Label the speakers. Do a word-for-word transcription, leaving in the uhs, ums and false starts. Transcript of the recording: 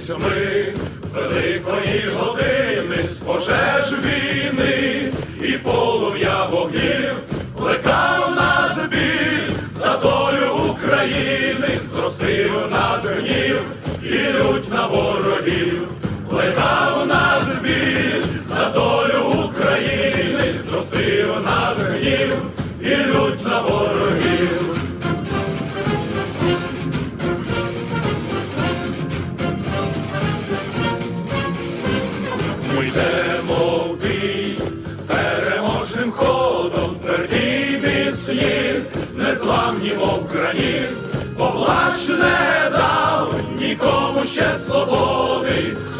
Speaker 1: Торкнулись ми великої години з пожеж війни і полум'я вогнів, плекав нас біль за долю України, зростив нас гнів і лють на ворогів, плекав нас біль за долю України, зростив нас гнів і лють на ворогів. Ми йдемо в бій переможним ходом, тверді міцні, незламні, мов граніт, бо плач не дав нікому ще свободи.